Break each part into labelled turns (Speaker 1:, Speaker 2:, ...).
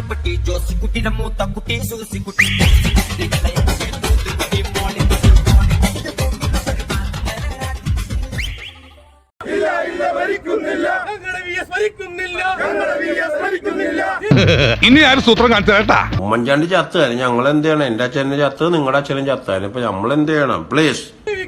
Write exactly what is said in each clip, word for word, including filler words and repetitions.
Speaker 1: മാത്തുക്കുട്ടി ജോസിക്കുട്ടിയുടെ മൂത്തക്കുട്ടി സൂസിക്കുട്ടി
Speaker 2: ഇനി ആരും സൂത്രം കാണിച്ചു കേട്ടാ.
Speaker 3: ഉമ്മൻചാണ്ടി ചത്താലും ഞങ്ങൾ എന്ത് ചെയ്യണം? എന്റെ അച്ഛനെ ചത്ത്, നിങ്ങളുടെ അച്ഛനും ചത്താലും ഇപ്പൊ നമ്മൾ എന്ത് ചെയ്യണം? പ്ലീസ്.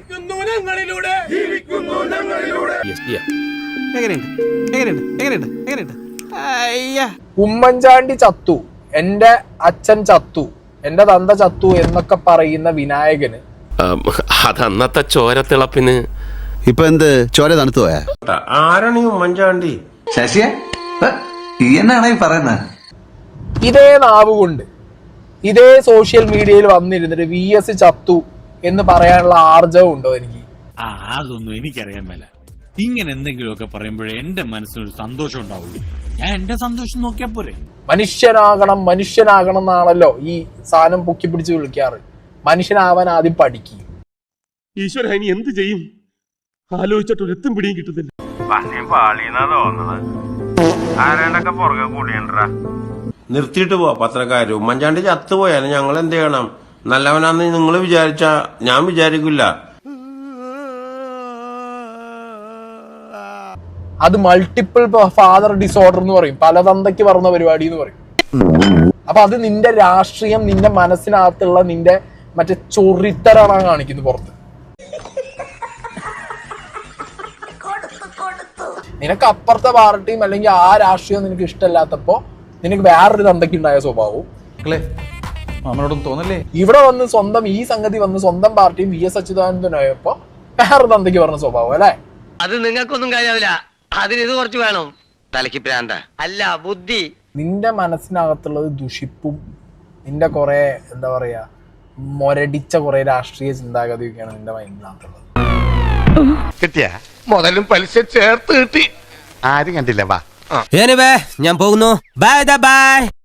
Speaker 4: ഉമ്മൻചാണ്ടി ചത്തു, എന്റെ അച്ഛൻ ചത്തു, എന്റെ തന്ത ചത്തു എന്നൊക്കെ പറയുന്ന വിനായകന്
Speaker 5: അതന്നത്തെ ചോരത്തിളപ്പിന്
Speaker 6: ഇപ്പൊ എന്ത് ചോര തണുത്തു പോയാ?
Speaker 3: ആരാണ് ഈ ഉമ്മൻചാണ്ടി?
Speaker 7: ശശിയെ എന്നാണ് ഈ പറയുന്നത്?
Speaker 4: ഇതേ നാവ് കൊണ്ട് ഇതേ സോഷ്യൽ മീഡിയയിൽ വന്നിരുന്നിട്ട് വി എസ് ചത്തു എന്ന് പറയാനുള്ള ആർജവം ഉണ്ടോ എനിക്ക്?
Speaker 8: ആ അതൊന്നും എനിക്കറിയാൻ മേല. ഇങ്ങനെ എന്തെങ്കിലുമൊക്കെ പറയുമ്പോഴേ എന്റെ മനസ്സിനൊരു സന്തോഷം ഉണ്ടാവുള്ളൂ. ഞാൻ എന്റെ സന്തോഷം നോക്കിയാ പോരെ.
Speaker 4: മനുഷ്യനാകണം മനുഷ്യനാകണം എന്നാണല്ലോ ഈ സാധനം പൊക്കി പിടിച്ച് വിളിക്കാറ്. മനുഷ്യനാവാൻ ആദ്യം പഠിക്കും.
Speaker 2: ഈശ്വര ഇനി എന്ത് ചെയ്യും? ആലോചിച്ചിട്ട് ഒരു എത്തും പിടിയും കിട്ടുന്നില്ല.
Speaker 3: നിർത്തിയിട്ട് പോവാ പത്രക്കാര്. ഉമ്മൻചാണ്ടി ചത്തുപോയാലും ഞങ്ങൾ എന്ത് ചെയ്യണം? നല്ലവനാന്ന് നിങ്ങൾ വിചാരിച്ച ഞാൻ വിചാരിക്കില്ല.
Speaker 4: അത് മൾട്ടിപ്പിൾ ഫാദർ ഡിസോർഡർ എന്ന് പറയും, പല തന്തയ്ക്ക് പറഞ്ഞ പരിപാടി എന്ന് പറയും. അപ്പൊ അത് നിന്റെ രാഷ്ട്രീയം, നിന്റെ മനസ്സിനകത്തുള്ള നിന്റെ മറ്റേ ചൊറിത്തരാണ് കാണിക്കുന്നത് പുറത്ത്. നിനക്ക് അപ്പുറത്തെ പാർട്ടിയും അല്ലെങ്കിൽ ആ രാഷ്ട്രീയം നിനക്ക് ഇഷ്ടമല്ലാത്തപ്പോ നിനക്ക് വേറൊരു തന്തയ്ക്ക് ഉണ്ടായ സ്വഭാവവും
Speaker 9: തോന്നല്ലേ
Speaker 4: ഇവിടെ വന്ന് സ്വന്തം ഈ സംഗതി വന്ന് സ്വന്തം പാർട്ടിയും വി എസ് അച്യുതാനന്ദനായപ്പോ വേറൊരു തന്തയ്ക്ക് പറഞ്ഞ സ്വഭാവം അല്ലെ?
Speaker 5: അത് നിങ്ങൾക്കൊന്നും കാര്യമില്ല. അതിന് ഇത് കുറച്ച് വേണം. തലയ്ക്ക് പ്രാന്ത അല്ല ബുദ്ധി.
Speaker 4: നിന്റെ മനസ്സിനകത്തുള്ളത് ദുഷിപ്പും നിന്റെ കുറെ എന്താ പറയാ മൊരടിച്ച കുറെ രാഷ്ട്രീയ ചിന്താഗതിയൊക്കെയാണ് നിന്റെ മൈൻഡിനകത്തുള്ളത്.
Speaker 2: കിട്ടിയ മുതലും പലിശ ചേർത്ത് കിട്ടി. ആരും കണ്ടില്ല. വാ
Speaker 1: ഞാൻ പോകുന്നു. Bye by.